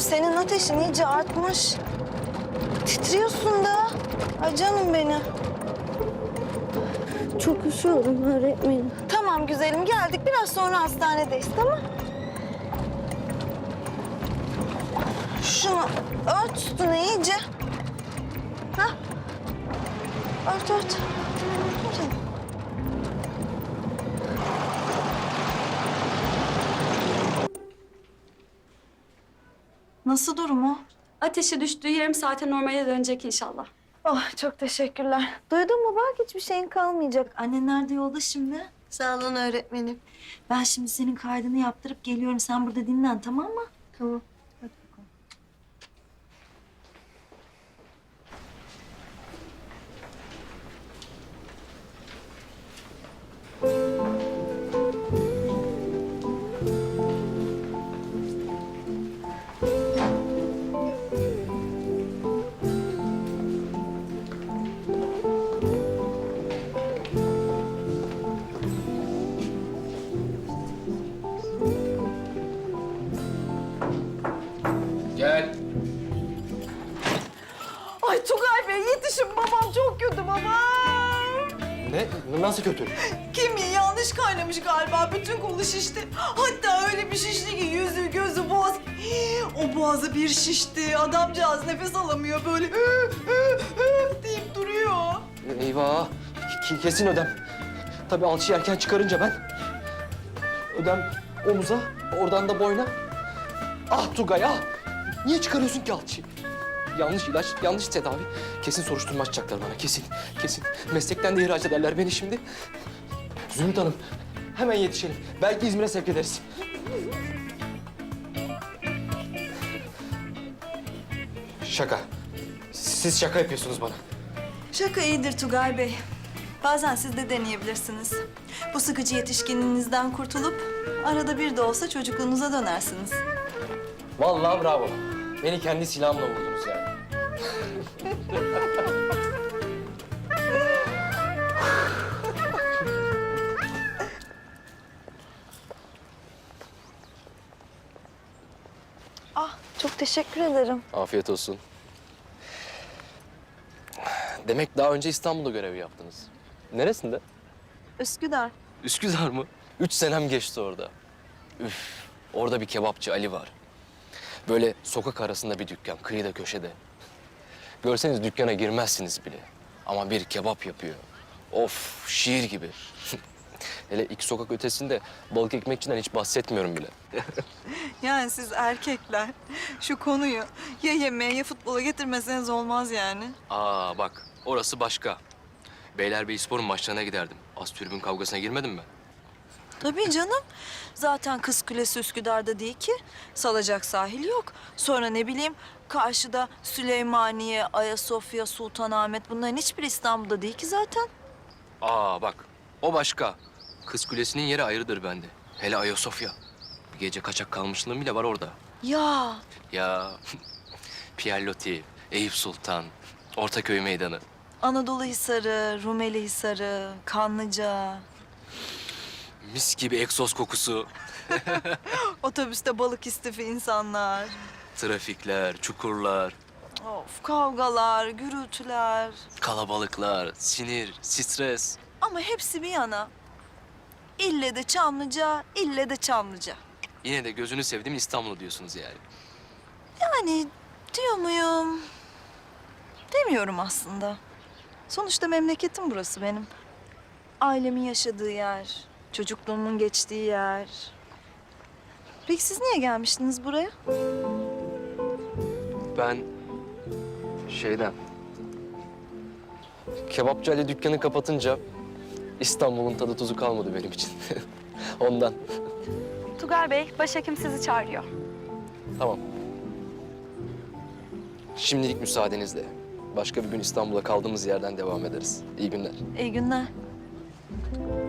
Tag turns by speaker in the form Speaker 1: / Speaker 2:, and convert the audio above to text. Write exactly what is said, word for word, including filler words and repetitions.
Speaker 1: senin ateşin iyice artmış. Titriyorsun da. Ay canım benim.
Speaker 2: Çok üşüyorum öğretmenim.
Speaker 1: Tamam güzelim, geldik. Biraz sonra hastanedeyiz, tamam? Şunu ört üstüne iyice. Hah. Ört ört. Nasıl durumu?
Speaker 3: Ateşi düştüğü yarım saate normale dönecek inşallah.
Speaker 1: Oh, çok teşekkürler. Duydun mu bak, hiçbir şeyin kalmayacak. Annen nerede, yolda şimdi?
Speaker 4: Sağ olun öğretmenim.
Speaker 1: Ben şimdi senin kaydını yaptırıp geliyorum. Sen burada dinlen, tamam mı?
Speaker 4: Tamam.
Speaker 1: Hadi bakalım.
Speaker 5: Gel.
Speaker 1: Ay Tugay Bey, yetişin. Babam çok kötü, babam.
Speaker 5: Ne? Nasıl kötü?
Speaker 6: Kemiği yanlış kaynamış galiba. Bütün kolu şişti. Hatta öyle bir şişti ki yüzü, gözü, boğaz. Hii, o boğazı bir şişti. Adamcağız nefes alamıyor böyle. Hı, hı, hı deyip duruyor.
Speaker 5: Eyvah. Ki- Kesin ödem. Tabii alçıyı erken çıkarınca ben. Ödem omuza, oradan da boyna. Ah Tugay ah! Niye çıkarıyorsun ki alçıyı? Yanlış ilaç, yanlış tedavi. Kesin soruşturma açacaklar bana, kesin. Kesin. Meslekten de ihraç ederler beni şimdi. Zümrüt Hanım, hemen yetişelim. Belki İzmir'e sevk ederiz. Şaka. Siz şaka yapıyorsunuz bana.
Speaker 6: Şaka iyidir Tugay Bey. Bazen siz de deneyebilirsiniz. Bu sıkıcı yetişkinliğinizden kurtulup arada bir de olsa çocukluğunuza dönersiniz.
Speaker 5: Vallahi bravo. Beni kendi silahımla vurdunuz yani.
Speaker 1: Ah, çok teşekkür ederim.
Speaker 5: Afiyet olsun. Demek daha önce İstanbul'da görev yaptınız. Neresinde?
Speaker 1: Üsküdar.
Speaker 5: Üsküdar mı? Üç senem geçti orada. Üf, orada bir kebapçı Ali var. Böyle sokak arasında bir dükkan, kıyıda köşede. Görseniz dükkana girmezsiniz bile. Ama bir kebap yapıyor. Of, şiir gibi. Hele iki sokak ötesinde balık ekmekçiden hiç bahsetmiyorum bile.
Speaker 6: Yani siz erkekler şu konuyu ya yemeğe ya futbola getirmeseniz olmaz yani.
Speaker 5: Aa bak, orası başka. Beylerbeyispor'un maçlarına giderdim. Az tribün kavgasına girmedim mi?
Speaker 6: Tabii canım. Zaten Kız Kulesi Üsküdar'da değil ki. Salacak sahil yok. Sonra ne bileyim karşıda Süleymaniye, Ayasofya, Sultanahmet bunların hiçbiri İstanbul'da değil ki zaten.
Speaker 5: Aa bak, o başka. Kız Kulesi'nin yeri ayrıdır bende. Hele Ayasofya. Bir gece kaçak kalmışlığım bile var orada.
Speaker 6: Ya
Speaker 5: Ya Pierre Loti, Eyüp Sultan, Ortaköy Meydanı.
Speaker 6: Anadolu Hisarı, Rumeli Hisarı, Kanlıca.
Speaker 5: Mis gibi egzoz kokusu.
Speaker 6: Otobüste balık istifi insanlar.
Speaker 5: Trafikler, çukurlar,
Speaker 6: Of kavgalar, gürültüler.
Speaker 5: kalabalıklar, sinir, stres.
Speaker 6: Ama hepsi bir yana. İlle de Çamlıca, ille de Çamlıca.
Speaker 5: Yine de gözünü sevdiğim İstanbul'u diyorsunuz yani.
Speaker 6: Yani diyor muyum? Demiyorum aslında. Sonuçta memleketim burası benim. Ailemin yaşadığı yer, çocukluğumun geçtiği yer. Peki siz niye gelmiştiniz buraya?
Speaker 5: Ben şeyden... Kebapçı Ali dükkanı kapatınca İstanbul'un tadı tuzu kalmadı benim için. Ondan.
Speaker 3: Tugay Bey, başhekim sizi çağırıyor.
Speaker 5: Tamam. Şimdilik müsaadenizle. Başka bir gün İstanbul'a kaldığımız yerden devam ederiz. İyi günler.
Speaker 6: İyi günler.